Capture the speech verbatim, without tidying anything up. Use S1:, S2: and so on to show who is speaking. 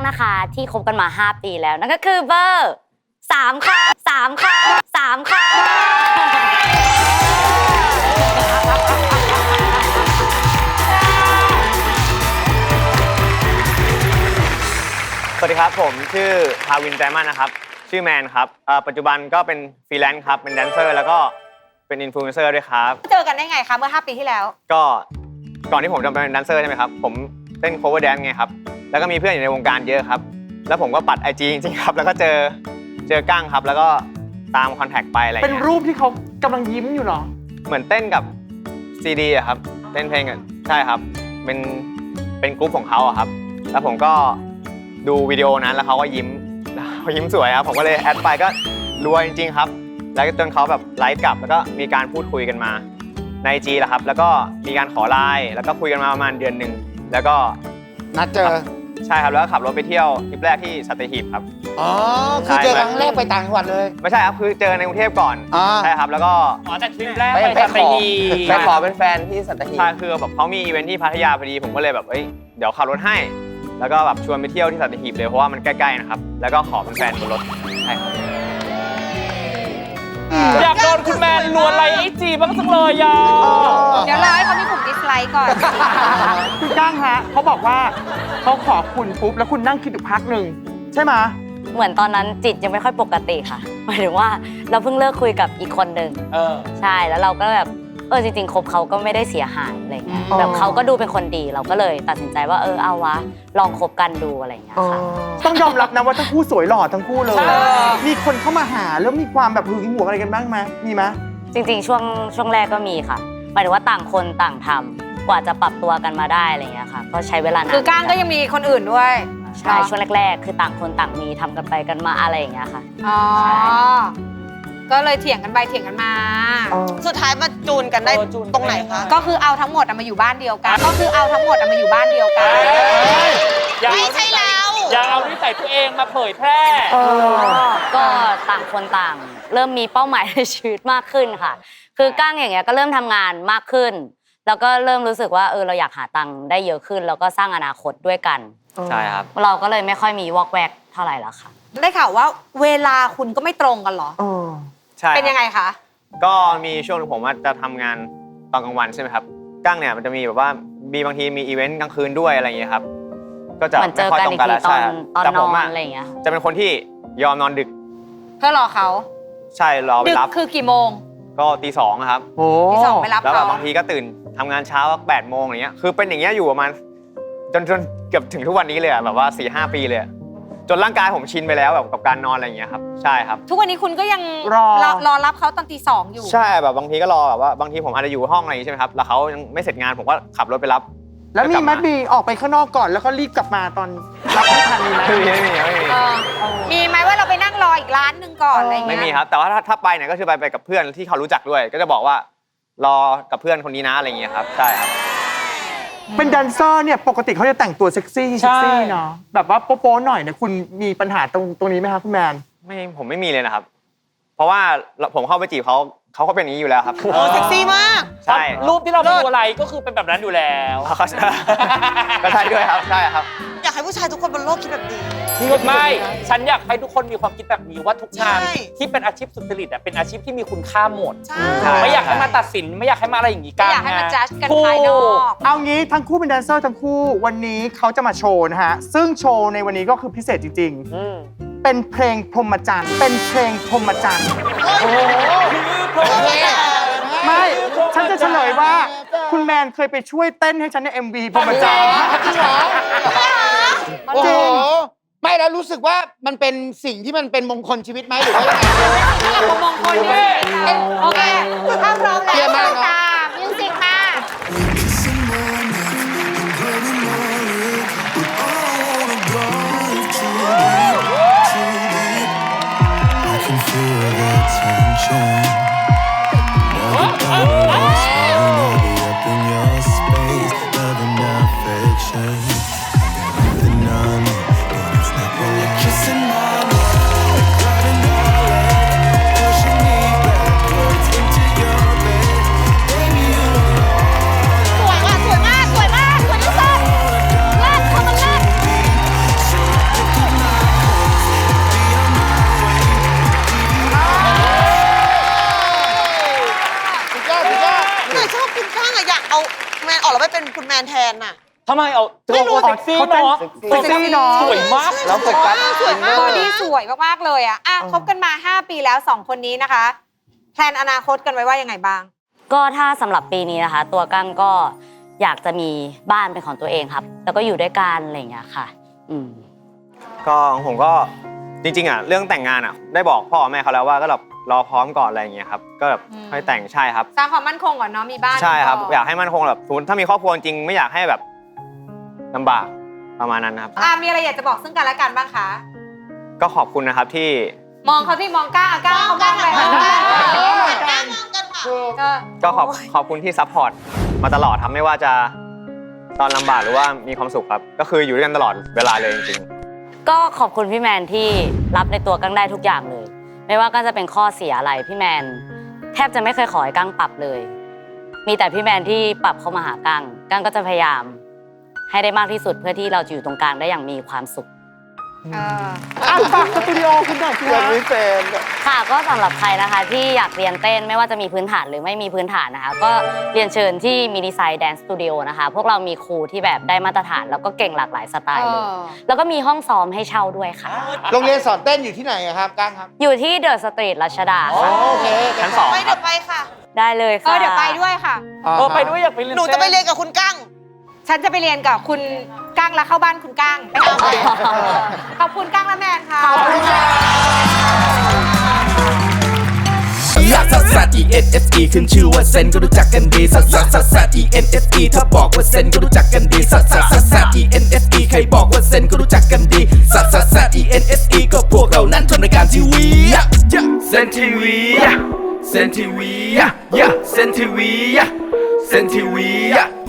S1: นะคะที่คบกันมาห้าปีแล้วนั่นก็คือเบอร์สามค่ะสามค่ะสามค่ะ
S2: สวัสดีครับผมชื่อทาวินใจมั่นนะครับชื่อแมนครับปัจจุบันก็เป็นฟรีแลนซ์ครับเป็นแดนเซอร์แล้วก็เป็นอินฟลูเอนเซอร์ด้วยครับ
S3: เจอกันได้ไงคะเมื่อห้าปีที่แล้ว
S2: ก็ก่อนที่ผมจะเป็นแดนเซอร์ใช่ไหมครับผมเต้น cover dance ไงครับแล้วก็มีเพื่อนอยู่ในวงการเยอะครับแล้วผมก็ปัด ไอ จี จริงๆครับแล้วก็เจอเจอก้างครับแล้วก็ตามคอนแทคไปอะไรอย่าง
S4: เงี้ยเป็นรูปที่เขากำลังยิ้มอยู่เหรอ
S2: เหมือนเต้นกับซีดีอะครับเต้นเพลงกันใช่ครับเป็นเป็นกรุ๊ปของเขาอะครับแล้วผมก็ดูวิดีโอนั้นแล้วเขาก็ยิ้มเขายิ้มสวยครับผมก็เลยแอดไปก็รวยจริงๆครับแล้วจนเขาแบบไลฟ์กลับแล้วก็มีการพูดคุยกันมาใน ไอ จี แหละครับแล้วก็มีการขอไลน์แล้วก็คุยกันมาประมาณเดือนหนึ่งแล้วก็
S5: นัดเจอ
S2: ใช่ครับแล้วก็ขับรถไปเที่ยวทริปแรกที่สัตหีบครับ
S5: อ๋อคือเจอครั้งแรกไปต่างจังหวัดเลย
S2: ไม่ใช่ครับคือเจอในกรุงเทพก่อนใช่ครับแล้วก็
S6: อ๋อแต่ทริปแรกไปสัตหีบ
S2: ไปขอเป็นแฟนที่สัตหีบใช่คือแบบเขามีอีเวนท์ที่พัทยาพอดีผมก็เลยแบบเอ้ยเดี๋ยวขับรถให้แล้วก็แบบชวนไปเที่ยวที่สัตหีบเลยเพราะว่ามันใกล้ๆนะครับแล้วก็ขอเป็นแฟนบนรถใช่ครับ
S6: อยากโดนคุณแมนลวนไลน์ไอจีบ้างจังเลยอ่ะ
S3: เดี๋ยวรอให้เขามีปุ่มดิสไลค์ก่อน
S4: คุณก้างฮะเขาบอกว่าเขาขอคุณปุ๊บแล้วคุณนั่งคิดอยู่พักหนึ่งใช่ไหม
S1: เหมือนตอนนั้นจิตยังไม่ค่อยปกติค่ะหมายถึงว่าเราเพิ่งเลิกคุยกับอีกคนหนึ่งใช่แล้วเราก็แบบเออจริงๆคบเขาก็ไม่ได้เสียหายอะไรเงี้ยแบบเขาก็ดูเป็นคนดีเราก็เลยตัดสินใจว่าเออเอาวะลองคบกันดูอะไรเงี้ยค่ะ
S4: ต้องยอมรับนะว่าทั้งคู่สวยหล่อทั้งคู่เลยมีคนเข้ามาหาแล้วมีความแบบหึงหวงอะไรกันบ้างไหมมีไหม
S1: จริงๆช่วงช่วงแรกก็มีค่ะหมายถึงว่าต่างคนต่างทำกว่าจะปรับตัวกันมาได้อะไรเงี้ยค่ะก็ใช้เวลานาน
S3: คือก้างก็ยังมีคนอื่นด้วย
S1: ใช่ช่วงแรกๆคือต่างคนต่างมีทำกันไปกันมาอะไรอย่างเงี้ยค่ะ
S3: อ๋อก็เลยเถียงกันไปเถียงกันมา
S7: สุดท้ายมาจูนกันได้ตรงไหนคะ
S3: ก็คือเอาทั้งหมดมาอยู่บ้านเดียวกันก็คือเอาทั้งหมดมาอยู่บ้านเดียวกัน
S7: ไม่ใช่เรา
S6: อย่าเอานิสัยตัวเองมาเผยแพร่
S1: ก็ต่างคนต่างเริ่มมีเป้าหมายในชีวิตมากขึ้นค่ะคือก้างอย่างเงี้ยก็เริ่มทำงานมากขึ้นแล้วก็เริ่มรู้สึกว่าเออเราอยากหาตังค์ได้เยอะขึ้นแล้วก็สร้างอนาคตด้วยกัน
S2: ใช่ครับ
S1: เราก็เลยไม่ค่อยมีวอกแวกเท่าไหร่แล้วค่ะ
S3: ได้ข่าวว่าเวลาคุณก็ไม่ตรงกันเหรอ
S2: ใช่
S3: เป็นยังไงคะ
S2: ก็มีช่วงนึงผมว่าจะทำงานตอนกลางวันใช่ไหมครับก้างเนี่ยมันจะมีแบบว่ามีบางทีมีอีเวนต์กลางคืนด้วยอะไรอย่างเงี้ยครับก็จะ
S1: ไม่ค่อยตรงกันแล้วใช่แต่ผมอะไรอย่างเงี้ย
S2: จะเป็นคนที่ยอมนอนดึก
S3: เพื่อรอเขา
S2: ใช่รอไปรับ
S3: ดึกคือกี่โมง
S2: ก็ตีสองครับ
S3: ตีสองไปรับเขา
S2: แล้วบางทีก็ตื่นทำงานเช้าแปดโมงอย่างเงี้ยคือเป็นอย่างเงี้ยอยู่ประมาณจนจนเกือบถึงทุกวันนี้เลยแบบว่าสี่ห้าปีเลยจนร่างกายผมชินไปแล้วแบบกับการนอนอะไรอย่างเงี้ยครับใช่ครับ
S3: ทุกวันนี้คุณก็ยังรอรอรับเขาตอนตีสองอยู่
S2: ใช่แบบบางทีก็รอแบบว่าบางทีผมอาจจะอยู่ห้องอะไรอย่างงี้ใช่ไหมครับแล้วเขายังไม่เสร็จงานผมก็ขับรถไปรับ
S4: แล้วมีมัดบีออกไปข้างนอกก่อนแล้วก็รีบกลับมาตอนรับไม่ทันมีไหม
S2: ไม่มีไม่มีไม่มี
S3: มีไหมว่าเราไปนั่งรออีกร้านหนึ่งก่อนอะไรเงี้ย
S2: ไม่มีครับแต่ว่าถ้าถ้าไปเนี่ยก็คือไปไปกับเพื่อนที่เขารู้จักด้วยก็จะบอกว่ารอกับเพื่อนคนนี้นะอะไรอย่างเงี้ยครับใช่ครับ
S4: เป็นแดนเซอร์เนี่ยปกติเขาจะแต่งตัวเซ็กซี่เซ็กซี่เนาะแบบว่าโป๊ะๆหน่อยเนี่ยคุณมีปัญหาตรงตรงนี้ไหมครับคุณแมน
S2: ไม่ผมไม่มีเลยนะครับเพราะว่าผมเข้าไปจีบเขาเขาก็เป็นอย่างนี้อยู่แล้วครับ
S7: โอ้เซ็กซี่มาก
S2: ใช่
S6: รูปที่เราดูอะไรก็คือเป็นแบบนั้นอยู่แล้ว
S2: ก็ใช่ด้วยครับใช่ครับ
S7: อยากให้ผู้ชายทุกคนบนโลกคิดแบบนี้
S6: ไม่ฉันอยากให้ทุกคนมีความคิดแบบนี้ว่าทุกงานที่เป็นอาชีพสุจริตอ่ะเป็นอาชีพที่มีคุณค่าหมดไม่อยากให้มาตัดสินไม่อยากให้มาอะไรอย่างนี้กัน
S3: ไม่อยากให้มาจัดกันภายนอก
S4: เอางี้ทั้งคู่เป็นแดนเซอร์ทั้งคู่วันนี้เขาจะมาโชว์นะฮะซึ่งโชว์ในวันนี้ก็คือพิเศษจริงๆเป็นเพลงพรหมจรรย์เป็นเพลงพรหมจรรย์โอ้โหไม่ฉันจะเฉลยว่าคุณแมนเคยไปช่วยเต้นให้ฉันใน เอ็ม วี พรหมจรรย์
S5: จริงเหรอโอ้โหไม่แล้วรู้สึกว่ามันเป็นสิ่งที่มันเป็นมงคลชีวิตไหมหรือว่ายังไง
S3: มงคลนี่โอเคถ้าพร้อมแล้วเชิญค่ะมิวสิกค่ะ
S6: ทำไมเอาตัวโอเซ็กซี่เนาะ
S4: เซ็กซี่เนาะ
S6: สวยมาก
S2: แล้วโฟกัส
S3: สวยมากบอดี้สวยมากๆเลยอ่ะอ่ะคบกันมา ห้า ปีแล้วสองคนนี้นะคะแพลนอนาคตกันไว้ว่ายังไงบ้าง
S1: ก็ถ้าสำหรับปีนี้นะคะ ตัวกั้งก็อยากจะมีบ้านเป็นของตัวเองครับ แล้วก็อยู่ด้วยกันอะไรอย่างเงี้ยค่ะ อืม
S2: ก็ของผมก็จริงๆอ่ะเรื่องแต่งงานอ่ะได้บอกพ่อแม่เขาแล้วว่าก็แบบรอพร้อมก่อนอะไรอย่างเงี้ยครับก็แบบ
S3: อืม
S2: ให้แต่งใช่ครับ
S3: สร้างความมั่นคงก่อนเนาะมีบ้าน
S2: ใช่ครับ
S3: ก่น
S2: อยากให้มั่นคงแบบสมมติถ้ามีครอบครัวจริงไม่อยากให้แบบลำบากประมาณนั้นครับ
S3: อ่ะมีอะไรอยากจะบอกซึ่งกันและกันบ้างคะ
S2: ก็ขอบคุณนะครับที่
S3: มองเขาที่มองก้าวอ่ะก้าวเขามองไปค่ะ
S7: ก้ามองกันค่ะ
S3: ก็
S2: ก็ขอบขอบคุณที่ซัพพอร์ตมาตลอดครับไม่ว่าจะตอนลำบากหรือว่ามีความสุขครับ ก็คืออยู่ด้วยกันตลอดเวลาเลยจริงๆ
S1: ก็ขอบคุณพี่แมนที่รับในตัวกั้งได้ทุกอย่างเลย ไม่ว่ากั้งจะเป็นข้อเสียอะไรพี่แมนแทบจะไม่เคยขอให้กั้งปรับเลย มีแต่พี่แมนที่ปรับเข้ามาหากั้งกั้งก็จะพยายามให้ได้มากที่สุดเพื่อที่เราจะอยู่ตรงกลางได้อย่างมีความสุข
S3: เออ
S4: อ่ะฝากสตูดิโอคุณหน่อยสิ
S2: ยั
S4: คะ
S2: งไม่เป็น
S1: ค่ะก็สำหรับใครนะคะที่อยากเรียนเต้นไม่ว่าจะมีพื้นฐานหรือไม่มีพื้นฐานนะคะ ก็เรียนเชิญที่มินิไซด์แดนซ์สตูดิโอนะคะ พวกเรามีครูที่แบบได้มาตรฐานแล้วก็เก่งหลากหลายสไตล์เลย
S3: เออ
S1: แล้วก็มีห้องซ้อมให้เช่าด้วยค่ะ
S5: โรงเรียนสอนเต้นอยู่ที่ไหนอะครับก้างครับ
S1: อยู่ที่เดอะสตรีทรัชดา
S5: อ๋อ
S1: ค่ะ
S5: โอเค
S2: ชั้นสอง
S7: ไป
S2: ค
S7: เดี๋
S2: รั
S7: ย
S2: บ
S7: วไปค่ะ
S1: ได้เลย
S3: เอ
S1: ค่ะ
S3: อเดี๋ยวไปด้วยค่ะ
S6: เออไปด้วยอยากไปเรียน
S7: หนูจะไปเรียนกับคุณกั้ง
S3: ฉันจะไปเรียนกับคุณก้างแล้วเข้าบ้านคุณก้างไปทำอะไรขอบคุณก้างและแมนค่ะ
S8: ลักซัสซัส E N S E ขึ้นชื่อว่าเซนก็รู้จักกันดีซัสซัสซัสซัส E N S E ถ้าบอกว่าเซนก็รู้จักกันดีซัสซัสซัสซัส E N S E ใครบอกว่าเซนก็รู้จักกันดีซัสซัสซัส E N S E ก็พวกเรานั้นทำรายการทีวีเซนทีวีเซนทีวีเซนทีวีเซนทีวี